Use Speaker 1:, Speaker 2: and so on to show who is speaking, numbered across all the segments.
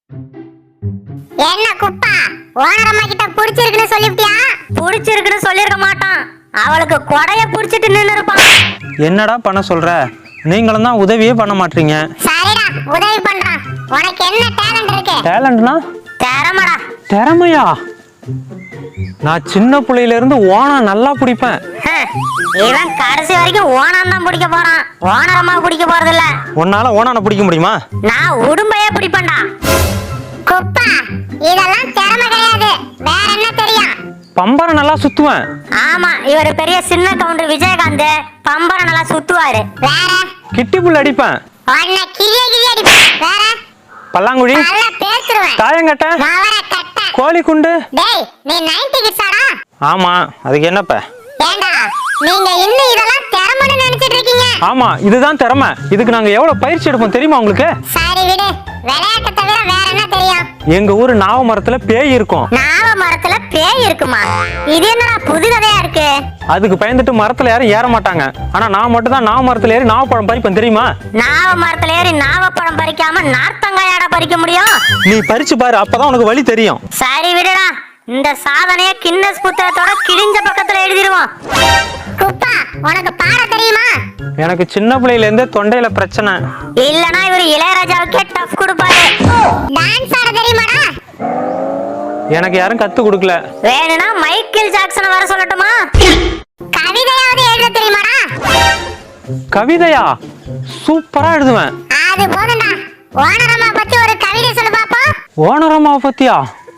Speaker 1: என்ன குப்பா, ஓனர் அம்மா கிட்ட புடிச்சிருக்குன்னு சொல்லிட்டியா?
Speaker 2: புடிச்சிருக்குன்னு சொல்லிருக்க மாட்டான், அவளுக்கு கொடைய புடிச்சிட்டு நின்னு இருப்பான்.
Speaker 3: என்னடா பண்ண சொல்ற? நீங்களும் தான் உதவியே பண்ண மாட்டீங்க.
Speaker 1: சரிடா, உதவி பண்றான். உனக்கு என்ன டேலண்ட் இருக்கு?
Speaker 3: டேலண்ட்னா?
Speaker 2: திறமடா.
Speaker 3: திறமையா? நான் சின்ன புள்ளையில இருந்து ஓணம் நல்லா பிடிப்பேன்.
Speaker 2: இவன் கடைசி வரைக்கும் ஓணம் தான் பிடிக்க போறான், ஓனர் அம்மா பிடிக்க போறது இல்ல.
Speaker 3: உன்னால ஓணான பிடிக்க முடியுமா?
Speaker 2: நான் உடும்பையே பிடிப்பேன்டா.
Speaker 1: குப்பா, இதெல்லாம் திறமை கிடையாது, வேற என்ன தெரியும்?
Speaker 3: பம்பரம் நல்லா சுத்துவேன்.
Speaker 2: ஆமா, இவர் பெரிய சின்ன கவுண்டர் விஜயகாந்த், பம்பரம் நல்லா சுத்துவாரு.
Speaker 1: வேற?
Speaker 3: கிட்டி புல் அடிப்பேன்.
Speaker 1: உன்னை கிளிய கிளிய அடிப்பேன். வேற?
Speaker 3: பல்லாங்குழி,
Speaker 1: நல்லா பேசுறேன்.
Speaker 3: தாயங்கட்ட,
Speaker 1: மவர கட்ட.
Speaker 3: கோழி குண்டு.
Speaker 1: டேய், நீ 90 கிட்ஸாடா?
Speaker 3: ஆமா, அதுக்கு என்னப்ப?
Speaker 1: ஏண்டா, நீங்க இன்னும் இதெல்லாம் திறமைன்னு நினைச்சிட்டு இருக்கீங்க?
Speaker 3: ஆமா, இதுதான் திறமை. இதுக்கு நாங்க எவ்வளவு பயிற்சி எடுப்போம் தெரியுமா உங்களுக்கு?
Speaker 1: சரி விடு, விளையாட்டை தவிர வேற என்ன தெரியும்?
Speaker 3: எங்க ஊரு நாவ மரத்துல பேய் இருக்கும்.
Speaker 2: நாவ மரத்துல பேய் இருக்குமா? இது என்னடா புது கதையா இருக்கு?
Speaker 3: அதுக்கு பயந்துட்டு மரத்துல யாரும் ஏற மாட்டாங்க. ஆனா நான் மட்டும் தான் நாவ மரத்துல ஏறி நாவப்பழம் பறிப்பேன் தெரியுமா?
Speaker 2: நாவ மரத்துல ஏறி நாவப்பழம் பறிக்காம நார்த்தங்காயாட பறிக்க முடியும்?
Speaker 3: நீ பறிச்சு பாரு, அப்பதான் உனக்கு வழி தெரியும்.
Speaker 2: சரி விடுடா, இந்த சாதனைய கின்னஸ் புத்தகத்தோட கிழிஞ்ச பக்கத்துல எழுதிடுவோம்.
Speaker 1: குப்பா, உனக்கு பாட தெரியுமா?
Speaker 3: எனக்கு சின்ன பிள்ளையில இருந்தே தொண்டையில பிரச்சனை.
Speaker 2: இல்லனா இவர் இளையராஜாவுக்கே டஃப் கொடுப்பாரு.
Speaker 1: டான்ஸ் ஆட தெரியுமாடா?
Speaker 3: எனக்கு யாரும் கத்து கொடுக்கல.
Speaker 2: வேணும்னா மைக்கேல் ஜாக்சனை வர சொல்லட்டுமா?
Speaker 1: கவிதையாவது எழுத தெரியுமாடா?
Speaker 3: கவிதையா? சூப்பரா எழுதுவேன்.
Speaker 1: அது போதும்டா. ஓனர் அம்மா பத்தி ஒரு கவிதை சொல்லு பாப்பா.
Speaker 3: ஓனர் அம்மாவை பத்தியா?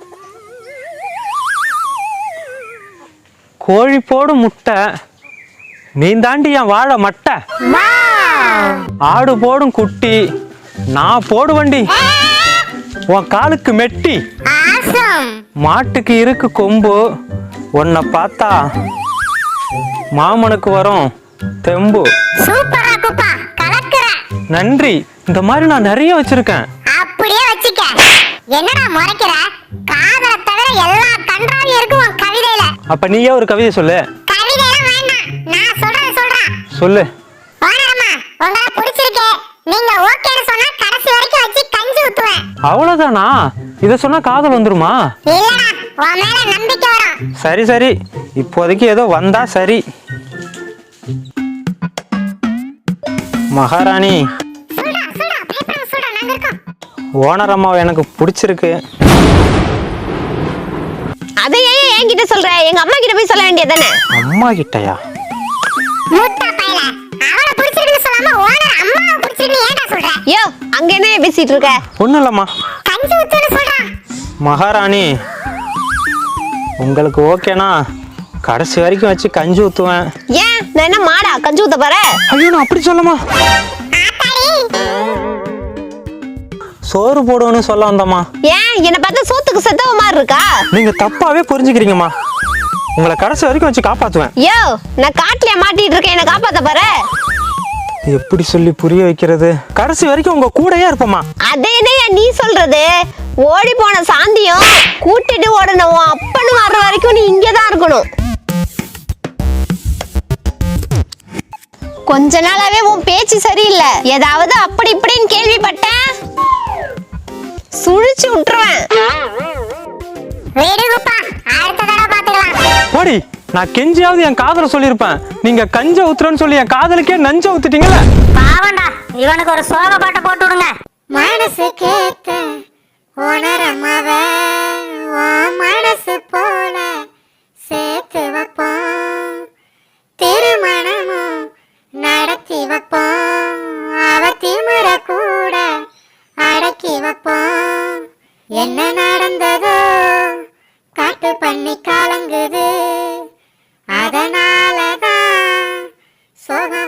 Speaker 3: கோழி போடும் முட்டை, நீ தாண்டி என் வாழை மட்டை. ஆடு போடும் குட்டி, நான் போடு வண்டி, உன் காலுக்கு மெட்டி.
Speaker 1: ஆசம்.
Speaker 3: மாட்டுக்கு இருக்கு கொம்பு, உன்னை பார்த்தா மாமனுக்கு வரும் தெம்பு.
Speaker 1: சூப்பரா குப்பா, கலக்குற.
Speaker 3: நன்றி. இந்த மாதிரி நான் நிறைய வச்சிருக்கேன்.
Speaker 1: அப்படியே வச்சுக்க. என்னடா முறைக்கிற? காதலை தவிர எல்லா கன்றாவியும் இருக்கு உன் கவிதையில.
Speaker 3: அப்ப நீயே ஒரு கவிதை சொல்லு.
Speaker 1: கவிதையெல்லாம் வேண்டாம், நான் சொல்றேன்.
Speaker 3: சொல்லு.
Speaker 1: ஓனர் அம்மா, உங்களை பிடிச்சிருக்கு, நீங்க ஓகேன்னு சொன்னா கடைசி வரைக்கும் வச்சு கஞ்சி ஊத்துவேன்.
Speaker 3: அவ்வளவுதானா? இத சொன்னா காதல் வந்துருமா?
Speaker 1: இல்லடா, உன் மேல நம்பிக்கை வரும்.
Speaker 3: சரி சரி, இப்போதைக்கு ஏதோ வந்தா சரி. மகாராணி,
Speaker 1: சொல்றா, பயப்படாம சொல்றா, நாங்க இருக்கோம்.
Speaker 3: ஓனர் அம்மாவை எனக்கு பிடிச்சிருக்கு.
Speaker 4: அதை ஏன் என்கிட்ட சொல்ற? எங்க அம்மா கிட்ட போய் சொல்ல வேண்டியதானே?
Speaker 3: அம்மா கிட்டயா?
Speaker 1: மூட்டா பையல, அவளை பிடிச்சிருக்குன்னு சொல்லாம ஓனர் அம்மாவை பிடிச்சிருக்குன்னு ஏன்டா சொல்ற?
Speaker 4: யோ, அங்க என்ன பேசிட்டு இருக்க?
Speaker 3: ஒண்ணும் இல்லம்மா.
Speaker 1: கஞ்சி ஊத்துன்னு சொல்றா.
Speaker 3: மகாராணி, உங்களுக்கு ஓகேனா கடைசி வரைக்கும் வச்சு கஞ்சி ஊத்துவேன்.
Speaker 4: ஏன், நான் என்ன மாடா கஞ்சி ஊத்த போற?
Speaker 3: ஐயோ, நான் அப்படி சொல்லமா. சோறு போடுவேன்னு சொல்ல வந்தம்மா.
Speaker 4: ஏன், என்ன பார்த்தா சோத்துக்கு செத்தவ மாதிரி இருக்கா?
Speaker 3: நீங்க தப்பாவே புரிஞ்சுக்கிறீங்கம்மா. உங்களை கடைசி வரைக்கும் வச்சு காப்பாத்துவேன்.
Speaker 4: யோ, நான் காட்டுல மாட்டிட்டு இருக்கேன், என்ன காப்பாத்த போற?
Speaker 3: எப்படி சொல்லி புரிய வைக்கிறது? கடைசி வரைக்கும் உங்க கூடயே இருப்பமா.
Speaker 4: அதே என்னையா நீ சொல்றது? ஓடி போன சாந்தியும் கூட்டிட்டு ஓடன உன் அப்பன்னு வர்ற வரைக்கும் நீ இங்கதான் இருக்கணும். கொஞ்ச நாளாவே உன் பேச்சு சரியில்லை. ஏதாவது அப்படி இப்படின்னு கேள்விப்பட்டேன், சுழிச்சு விட்டுருவேன்.
Speaker 1: வீடு குப்பா, அடுத்த தடவை பாத்துக்கலாம்.
Speaker 3: போடி. நான் கெஞ்சியாவது என் காதல சொல்லியிருப்பேன். நீங்க கஞ்ச ஊத்துறன்னு சொல்லி என் காதலுக்கே நஞ்ச ஊத்துட்டீங்களே.
Speaker 2: பாவண்டா, இவனுக்கு ஒரு சோக பாட்டை போட்டு விடுங்க.
Speaker 1: மனசு கேட்ட ஓனர் அம்மாவை உன் மனசு போல சேர்த்து வைப்போம், திருமணமும் நடத்தி வைப்போம், அவ திமிர கூட அடக்கி வைப்போம். என்ன நடந்ததோ காட்டு பண்ணி கலங்குது, அதனாலதான் சோகம்